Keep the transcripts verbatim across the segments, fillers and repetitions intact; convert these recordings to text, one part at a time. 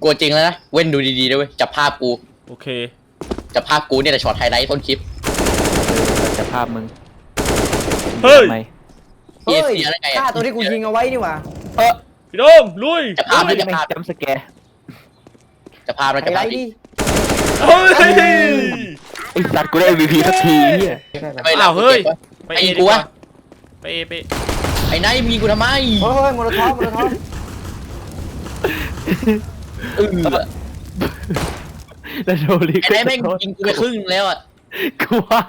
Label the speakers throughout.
Speaker 1: กลัวจริงแล้วนะเว้นดูดีๆด้วยจับภาพกู
Speaker 2: โอเค
Speaker 1: จับภาพกูเนี่ยแต่ช็อตไฮไลท์ต้นคลิป
Speaker 3: จับภาพมึง
Speaker 2: เฮ้ย
Speaker 1: เฮ้ย
Speaker 4: ฆ่าตัวที่กูยิงเอาไว้นี่หว่า
Speaker 2: เออพี่โดมลุย
Speaker 1: จับภาพไม่จับภาพ
Speaker 3: จำสแกร์
Speaker 1: จับภาพแล้วจับภาพดิ
Speaker 2: เฮ้ย
Speaker 3: ไอสัตว์กูได้ เอ็ม วี พี สักทีเฮีย
Speaker 1: ไม่
Speaker 2: เอาเฮ้ยไปเอกูวะไปเอไป
Speaker 1: ไอ้นายมีกูทำไม
Speaker 4: เฮ้ยโมโลท็อปโมโลท็อป
Speaker 1: เออ
Speaker 3: แล้วโดนลิ
Speaker 1: ไอ้นายแม่งยิงกูไปครึ่งแล้วอ่ะ
Speaker 3: กูว่า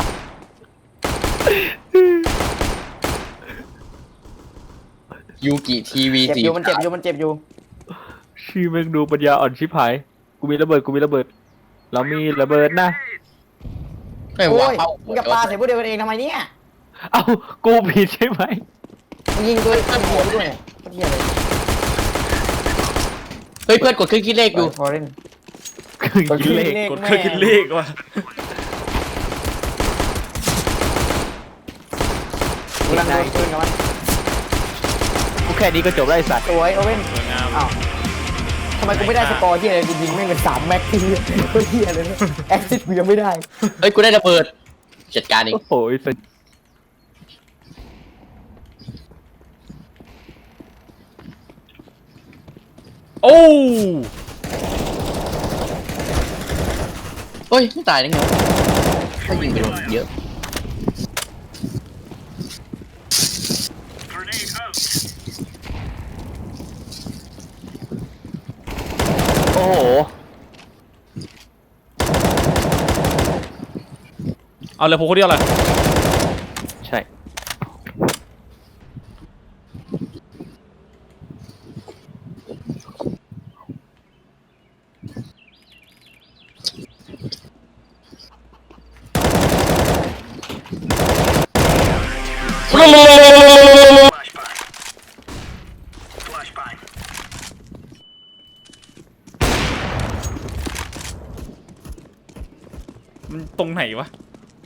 Speaker 1: ยูกิทีวี
Speaker 4: เจ็บอยู่มันเจ็บอยู่มันเจ็บอยู่
Speaker 3: ชื่อแม่งดูปัญญาอ่อนชิบหายกูมีระเบิดกูมีระเบิดเรามีระเบิดนะ
Speaker 1: ไม่ว่าเป้า
Speaker 4: มึงกับปลาใส่พวกเดียวกันเองทำไมเนี่ย
Speaker 3: เอ้ากูผิดใช่ไหม
Speaker 4: มึงยิงตัวตัวหัวด้วยเฮียเลย
Speaker 1: เฮ้ยเพื่อนกดเครื่องคิดเลขดู
Speaker 4: พอเล่น
Speaker 3: กดคิดเลข
Speaker 2: กดเครื่องคิดเลขว่ะ
Speaker 4: กูรังโดนปืนกับมัน
Speaker 3: กูแค่นี้ก็จบได้สัตว์
Speaker 4: สวยโอเว่นอ้าวทำไมกูไม่ได้สกอร์ที่อะไรกูยิงแม่งเป็นสามแม็กที่ก็เฮียเลยแอคซิสกูยังไม่ได้
Speaker 1: เฮ้ยกูได้ระเบิดจัดการเอง
Speaker 3: โอ้ยสัตว์
Speaker 2: โอ้
Speaker 1: เฮ้ยไม่ตายได้ไงถ้ายิงไปโดนเยอะ
Speaker 3: โอ้โห
Speaker 2: เอาเลยผมคนเดียวเลย
Speaker 3: ใช่
Speaker 2: มันตรงไหนวะ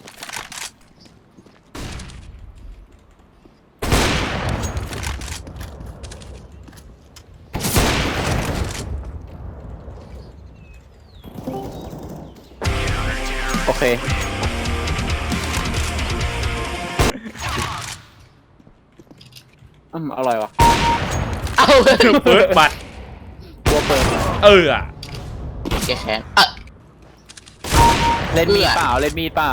Speaker 3: โอเคอืมอร่อยวะ
Speaker 1: เอ้า
Speaker 2: เปิดบัตร
Speaker 3: ตัวเปิด
Speaker 2: เอออะ
Speaker 1: แกแค้นอ่ะ
Speaker 3: เล่นมีดเปล่าเล่นมีดเปล่า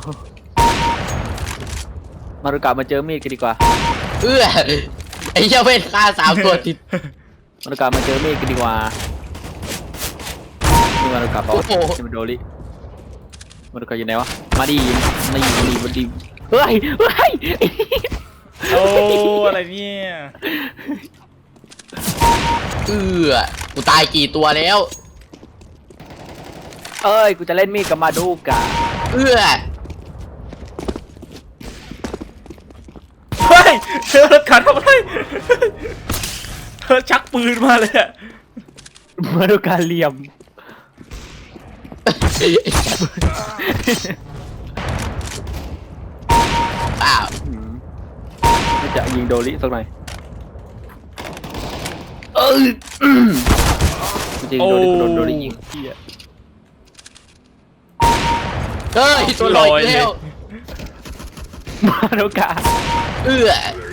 Speaker 3: มารุกะมาเจอมีดกันดีกว่า
Speaker 1: เอื้อไอ้เจ้าเวทฆ่าสามตัวติด
Speaker 3: มารุกะมาเจอมีดกันดีกว่านี่มารุกะเปล่านี่มันโดริมารุกะอยู่ไหนวะมาดีมาดีมาดีมาดีเฮ้ยเฮ้ย
Speaker 2: โอ้อะไรเนี่ย
Speaker 1: เอื้อกูตายกี่ตัวแล้ว
Speaker 3: เอ้ยกูจะเล่นมีดกับมาดูกะ
Speaker 1: เอื้อ
Speaker 2: เฮ้ยเธอรถขันทำอะไรเธอชักปืนมาเลยอะ
Speaker 3: มาดูกะเหลี่ยม
Speaker 1: อ้าว
Speaker 3: จะยิงโดริสักหน่อยเออจริงโดริโดนโดริยิง
Speaker 1: เฮ้ยตัวลอยแล้ว
Speaker 3: มาดูกะ
Speaker 1: เอื้อ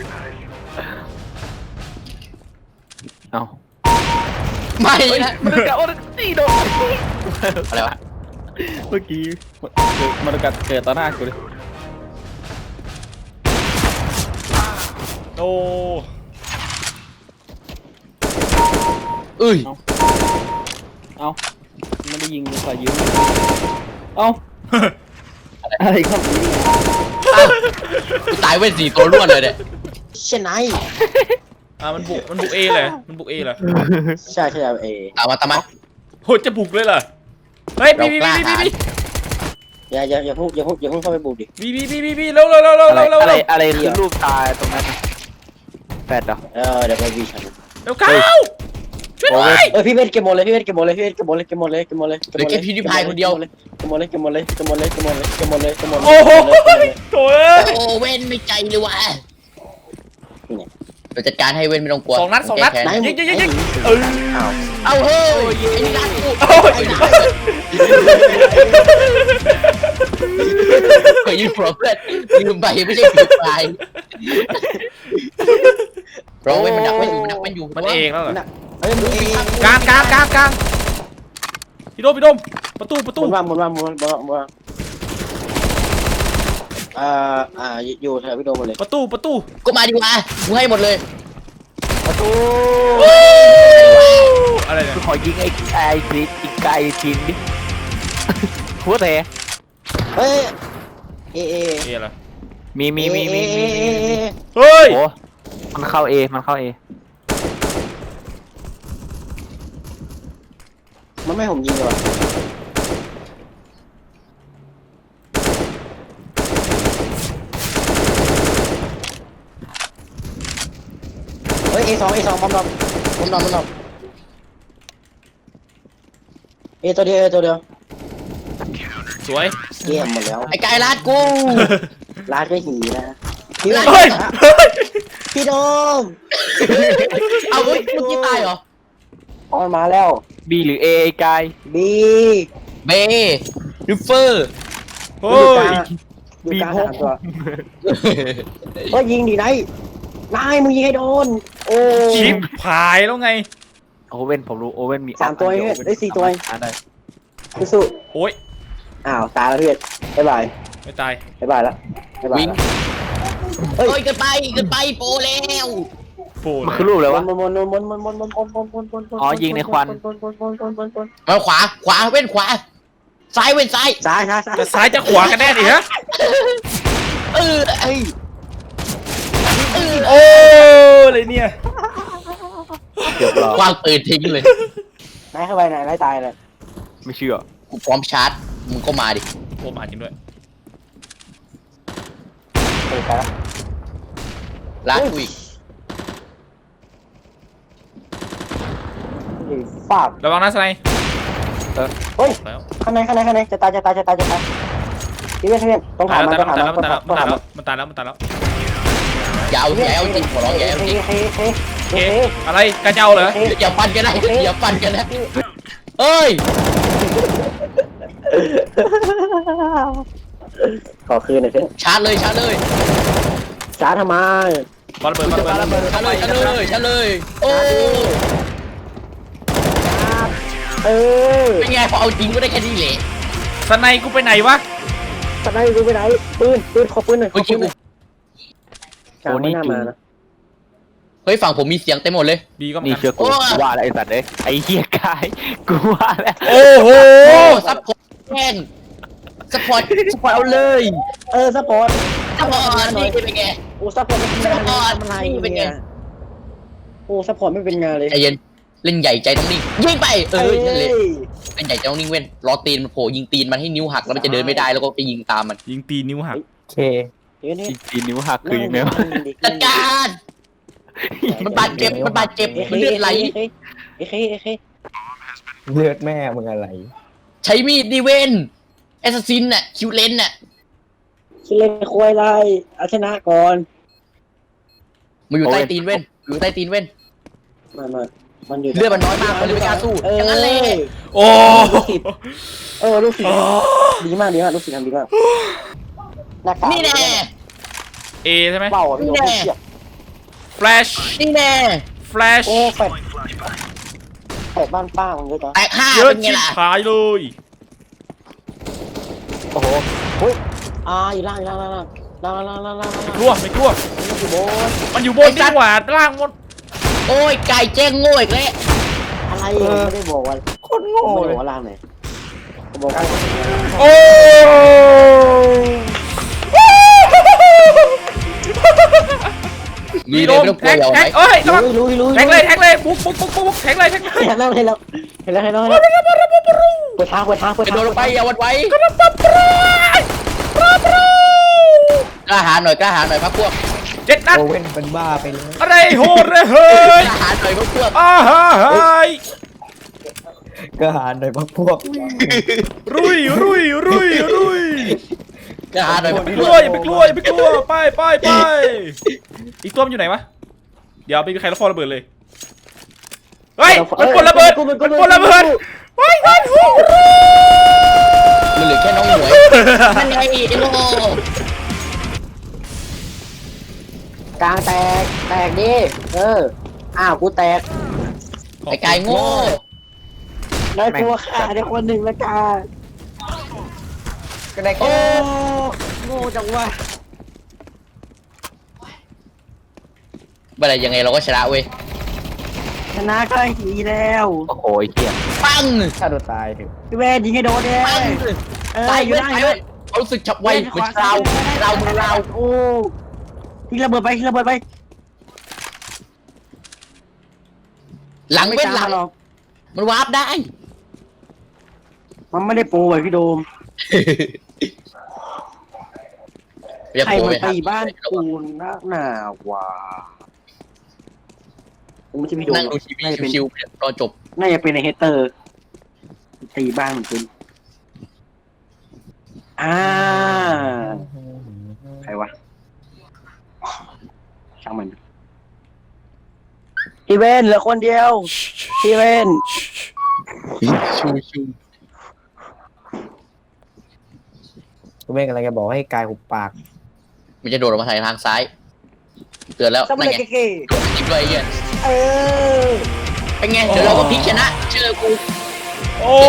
Speaker 3: เอา
Speaker 1: ไม่นะ
Speaker 3: มาดูกะโอ้ตีโดน
Speaker 1: อะไรวะ
Speaker 3: เมื่อกี้มาดูกะเกิดต่อหน้ากูเลย
Speaker 2: โอ้
Speaker 1: เอ้ย
Speaker 3: เอาไม่ได้ยิงเลยขอยืมเอาอะไรครับ
Speaker 1: ตายเว้นสี่ตัวล้วนเลยเนี่ย
Speaker 4: เช่นไร
Speaker 2: อ่ามันบุกมันบุกเอเลยมันบุกเอเลย
Speaker 4: ใช่ใช่เอ
Speaker 1: ตามมาตามมา
Speaker 2: โหจะบุกเลยเหรอเฮ้ยบีบีบีบีบี
Speaker 4: อย่าอย่าอย่าพูดอย่าพูดอย่าพูดเข้าไปบุกดิ
Speaker 2: บีบีบีบีบีเร็วเร็วเร็วเร็วเร็วเร็ว
Speaker 3: อะไรอะไรคือรูปตาตรงนั้นแฟดเหรอ
Speaker 4: เออเดี๋ยวไปวีชัน
Speaker 2: เร็วเข้าช่วยด้วย
Speaker 4: เออพี่เวทเก็บหมดเลยพี่เวทเก็บหมดเลยพี่เวทเก็บหมดเลยเก็บหมดเลยเก็บหมดเลย
Speaker 1: เหลือแค่พิวดิพายคนเดียว
Speaker 4: เก็บหมดเลยเก็บหมดเลยเก็บหมดเลยเก็บหมดเลยเก็บหมดเลยเก็บหมดเลย
Speaker 2: โอ้โหโถ่
Speaker 1: โอ้เว้นไม่ใจเลยว่ะเดี๋ยวจัดการให้เว้นไม่ต้องกลัว
Speaker 2: สองนัดสองนัด
Speaker 1: แก้แค้
Speaker 2: ยิงยิงยิงยิงเออ
Speaker 4: อ้าว
Speaker 1: เอาเฮ้ยไอ้นี่รัดกู
Speaker 2: โอ้ย
Speaker 1: ไอ้นี่เคยยืมหัวเพื่อนยืมไปไม่ใช่ถือไปเราเว้นมันดักไว้อยู่มันดักไว้อยู่
Speaker 2: มันเองแล้วเหรอ
Speaker 4: เอ้ยมึงเอง
Speaker 2: กลางกลางกลางกลางพี่โดมพี่โดมประตูประ
Speaker 4: ห
Speaker 2: ตู
Speaker 4: มุนว่าหมุนว่าหมุนว่าหมุนว่าหมุนว่าอ่าอ่าอยู่แถวพี่โดมหมดเลย
Speaker 2: ประตูประตู
Speaker 1: ก็มาดีกว่ากูให้หมดเลย
Speaker 4: ประตู
Speaker 2: อะไรเนี่ย
Speaker 3: ขอยิงไอ้ไอ้กรีดอีกไก่ทีนดิหัวแต่
Speaker 4: เฮ้ยเอเอ
Speaker 2: เอเหรอ
Speaker 3: มีมีมีมีมีมี
Speaker 2: เฮ้ย
Speaker 3: โอ้มันเข้าเอมันเข้าเอ
Speaker 4: มันไม่ให้ผมยิงเลยว่ะเฮ้ยเอสองเอสองบอมบอมบอมบอมบอมเอตัวเดียวเอตัวเดียว
Speaker 2: สวย
Speaker 4: เยี่ยมหมดแล้ว
Speaker 1: ไอ้กายรัดกู
Speaker 4: ลาดก็หีนะพี่
Speaker 2: เฮ้ยเฮ้ย
Speaker 4: พี่โดม
Speaker 1: เอาเฮ้ยเมื่อกี้ตายเหรอ
Speaker 4: ออนมาแล้ว
Speaker 3: บีหรือเอไอ้กาย
Speaker 4: บี
Speaker 1: เบริฟเฟอร์
Speaker 2: เฮ้
Speaker 4: อยู่
Speaker 2: ย
Speaker 4: กลางอยู่กลางสามตัวเฮ้ยยิงดิไนท์นายมึงยิงให้โดนโอ้
Speaker 2: ชิปผายแล้วไง
Speaker 3: โอเว่นผมรู้โอเว่นมี
Speaker 4: สามตัวเองได้สี่ตัวเอง
Speaker 3: อ่าได้
Speaker 4: สู้
Speaker 2: โอ้ย
Speaker 4: ๆอ้าวตายแล้วเพื่อนบ๊ายบาย
Speaker 2: ไม่ตาย
Speaker 4: บ๊ายบายแล้วบ๊ายบาย
Speaker 1: วิ่ง
Speaker 4: แล้ว
Speaker 1: เฮ้ยเกินไปเกินไปโปรแล้ว
Speaker 2: โปูเล
Speaker 3: มัน
Speaker 2: ย
Speaker 3: คือรูปเลยวะ
Speaker 4: มนมนมนมนมนมนมนมนมนมน
Speaker 3: อ๋อยิงในควัน
Speaker 1: มาขวาขวาเว้นขวาซ้ายเว้นซ้าย
Speaker 4: ซ้ายซ้ายซ้าย
Speaker 2: จะซ้ายจะขวากันแน่ดิฮะ
Speaker 1: เออไอ้เออ
Speaker 2: โอ้เลยเนี่ย
Speaker 3: เกือบรอ
Speaker 1: วางปืนทิ้งเลย
Speaker 4: นายเข้าไปไหนนายตายเลย
Speaker 3: ไม่เชื่อ
Speaker 1: กูพร้อมชาร์จมึงก็มาดิ
Speaker 2: โอ้มาจริงด้วย
Speaker 4: เตะไปแล้ว
Speaker 1: ลาดกูอีก
Speaker 4: ฟาด
Speaker 2: ระวังนะสไน
Speaker 4: เฮ้ย
Speaker 2: แล้ว
Speaker 4: ข้างในข้างในข้างในจะตายจะตายจะตายจะตายพี่เพื่อนพี่เพื่อนต้อง
Speaker 2: ตา
Speaker 4: ถาย ม
Speaker 2: แล้ว
Speaker 4: มัน
Speaker 2: ตาย
Speaker 4: ต้อง
Speaker 2: แล้ว
Speaker 4: ถาม
Speaker 2: ตาย
Speaker 4: มัน
Speaker 2: แล้ว
Speaker 4: ต้อง
Speaker 2: มัน
Speaker 4: ถา
Speaker 2: ตาย
Speaker 4: ม
Speaker 2: แล้วมันตายแล้วมันตายแล้ว
Speaker 1: อย่าเอาอย่าเอาจริงขอร้องอย่าเอาจริง
Speaker 4: เฮ้ยเฮ้ย
Speaker 2: เอ๊
Speaker 4: เฮ้ย
Speaker 2: ะอะไรกันเจ้าเหรอ
Speaker 1: อย่าฟันกันนะอย่าฟันกันนะเอ้ย
Speaker 4: ขอคืนหน่อยเพื่อน
Speaker 1: ชาร์จเลยชาร์จเลย
Speaker 4: ช้าทำไม
Speaker 2: บอลเบิร์ดบอลเบิร์ด
Speaker 1: ชาร์จเลยชาร์จเลยชาร์จเลยโอ้
Speaker 4: เออ
Speaker 1: เป็นไงพอเอาจริงก็ได้แค่นี้แหละ
Speaker 2: สไนกูไปไหนวะ
Speaker 4: สไนดูไปไหนปืนปืนขอปืนหน่อยขอปืนหน่อยกลางไม่น่ามานะ
Speaker 1: เฮ้ยฝั่งผมมีเสียงเต็มหมดเลย
Speaker 2: บีก็เหมื
Speaker 3: นี่
Speaker 2: อน
Speaker 3: เชื่
Speaker 2: กั
Speaker 3: อน กูกูว่าแล้วไอ้สัตว์เลยไอ้เหี้ยกายกูว่าแล้ว
Speaker 2: โอ้โห
Speaker 1: โอ้ซัพพอร์ตแม่งซัพพอร์ตซัพพอร์ตเอาเลย
Speaker 4: เออซัพพอร์ต
Speaker 1: ซัพพอร์ตนี่เป็นไง
Speaker 4: โอ้ซัพพอร์ตไม่เป็นงาน
Speaker 1: ซัพพอร์ต
Speaker 4: ทำอะไร
Speaker 1: นี่เป็นไง
Speaker 4: เนี่ยโอ้ซัพพอร์ตไม่เป็นงานเลย
Speaker 1: ใจเย็นเล่นใหญ่ใจต้องนิ่งยิงไปเอ
Speaker 4: เอ้
Speaker 1: อย นั่นเลยเล่นใหญ่ใจต้องนิ่งเว้นรอตีนมันโผล่ยิงตีนมันให้นิ้วหักแล้วมันจะเดินไม่ได้แล้วก็ไปยิงตามมัน
Speaker 2: ยิงตีนิ้วหัก
Speaker 3: โอเค
Speaker 4: เดี๋ยวนี้
Speaker 3: จริงๆนิ้วหักคือยังไงวะ
Speaker 1: จัดการมันบาดเจ็บมันบาดเจ็บมันเลือดไหล
Speaker 4: เอ้ยเอ้ยเอ้ยเอ้ย
Speaker 5: เลือดแม่มึงอะไร
Speaker 1: ใช้มีดดิเวนแอสซัสซินน่ะคิวเลนน่ะ
Speaker 4: คิดเล่นควยไรเอาชนะก่อน
Speaker 1: มันอยู่ใต้ตีนเว้นอยู่ใต้ตีนเว้น
Speaker 4: มามามันอยู่
Speaker 1: เลือดมันน้อยมากมันเลยไม่กล้าสู้
Speaker 4: เออ
Speaker 1: อย่างนั้นเลย
Speaker 2: โอ้
Speaker 4: เออลูกศิษย์ดีมากดีมากลูกศิษย์ทำดีมากหน้ากาก
Speaker 1: นี่แน่
Speaker 2: เอใช่ไหม
Speaker 4: เป่าอ่ะพี่โดนเสียบ
Speaker 2: แฟลช
Speaker 1: นี่แน่
Speaker 2: แฟลช
Speaker 4: โอ้แฟดแฟดบ้านป้ามันเยอะจัง
Speaker 1: แตกห้า
Speaker 2: เยอะ
Speaker 1: เป็นไง
Speaker 2: ชิบ
Speaker 1: ล่ะ
Speaker 2: หายเลย
Speaker 4: โอ้โหเฮ้ยอ่าอยู่ล่างอยู่ล่างล่างล่างล่างล่างล่างล่าง
Speaker 2: ไม่กลัวไม่กลัว
Speaker 4: อยู่บน
Speaker 2: มันอยู่บนนี่หว่าล่างหมด
Speaker 1: โอ้ยไก่แจ้งโง่อีกแล้ว
Speaker 4: อะไรอ่ะไม่ได้บอกว่า
Speaker 5: โคตรโง่
Speaker 4: ไม่
Speaker 5: เล
Speaker 4: ได้
Speaker 5: ย
Speaker 4: บอกว่าล่างไหนบอกว่า
Speaker 2: โอ้
Speaker 1: มีเลยไม่ต้องกลัว
Speaker 2: แท็ก
Speaker 1: อย่าเอา
Speaker 2: แท็
Speaker 1: ไห
Speaker 2: ก
Speaker 1: ม
Speaker 2: เอ้ยระวัง
Speaker 4: รู้รู้รู้
Speaker 2: แท็กเลยแท็กเลยบุ๊กบุ๊กบุ๊กบุ๊กแท็กเลยแท็กเลย
Speaker 4: เห็นแล้วเห็นแล้วเห็นแล้วเห็นแล้วเห็นแล้วเปิดทางเปิดทางเปิด
Speaker 1: กระ
Speaker 4: ทาง
Speaker 1: โดดลงไปอย่าหวั่นไหวกล้าหาญหน่อยกล้าหาญหน่อยพักพวก
Speaker 2: เจ็ดนัด
Speaker 5: โอเว่นเป็นบ้าไปเลย
Speaker 2: อะไรโหดเลยเฮ้ย
Speaker 1: กล้าหาญหน่อยพักพวก
Speaker 2: อ้าฮะเฮ้ย
Speaker 5: ก็หาหน่อยพวกพวก
Speaker 2: รุยรุยรุยรุย
Speaker 1: กล้าหาญหน่อยพัก
Speaker 2: ไป
Speaker 1: พ
Speaker 2: ก
Speaker 1: ว
Speaker 2: ลั
Speaker 1: ก
Speaker 2: วอย่าไปกลัวอย่าไปกลัวไปไปไปอีกตัวมันอยู่ไหนวะเดี๋ยวไม่มีใครรับฟอระเบิดเลยเฮ้ยมันกดระเบิดมันกดระเบิดเฮ้ยมันหู
Speaker 1: มันเหลือแค่น้องหมวยนั่นไงไอ้โง่
Speaker 4: กลางแตกแตกดิเอออ้าวกูแตก
Speaker 1: ไอ้กายโง่
Speaker 4: ได้ตัวขาได้คนหนึ่งละกา
Speaker 5: ก็ได้
Speaker 4: โอ้
Speaker 5: แค่
Speaker 4: โง่จังวะ
Speaker 1: เมื่อไรยังไงเราก็ชนะเว้ย
Speaker 4: ชนะก็หีแล้ว
Speaker 1: โอ้โหไอ้เหี้ยปัง
Speaker 5: ฆ่าตัวตายเถอะ
Speaker 4: พี่เวนยิงให้โดนเลย
Speaker 1: ปัง
Speaker 4: เออ
Speaker 1: ตาย
Speaker 4: อยู่
Speaker 1: เว้ย
Speaker 4: ได้
Speaker 1: ตาย
Speaker 4: เล
Speaker 1: เว้
Speaker 4: ย
Speaker 1: ยเขารู้สึกฉับไวเหมือนเราเราเหมือนเรา
Speaker 4: โอ้ทิ้งระเบิดไปทิ้งระเบิดไป
Speaker 1: หลังเว้นหลัง
Speaker 4: หรอก
Speaker 1: มันวาร์ปได้
Speaker 4: มันไม่ได้โปรไว้พี่โดม
Speaker 1: อย่า
Speaker 4: ใคร
Speaker 1: โผล่
Speaker 4: มัน
Speaker 1: ไป
Speaker 4: ตีบ้านกูนักหนาวะกูไม่ใช่พี่โดม
Speaker 1: นั่งดูทีวี
Speaker 4: น่าจะเป็น
Speaker 1: ชิวๆรอจบ
Speaker 4: น่าจะเป็นในเฮเตอร์ ตีบ้านมันเป็นอ่าใครวะช่างมันพี่เวนเหลือคนเดียวพี่เวน
Speaker 1: ชิวชิว
Speaker 5: กูไม่กำลังจะบอกให้กายหุบปาก
Speaker 1: มันจะโดดออกมาทางทางซ้ายเตือนแล้ว
Speaker 4: ต้อง
Speaker 1: นั่
Speaker 4: มาน
Speaker 1: ไง
Speaker 4: เก๋
Speaker 1: โดดทิ้งด้วยไอ้เหี้ย
Speaker 4: ๆเออ
Speaker 1: เป็นไงเดี๋ยวเราก็พลิกชนะเชื่อกู
Speaker 2: โอ้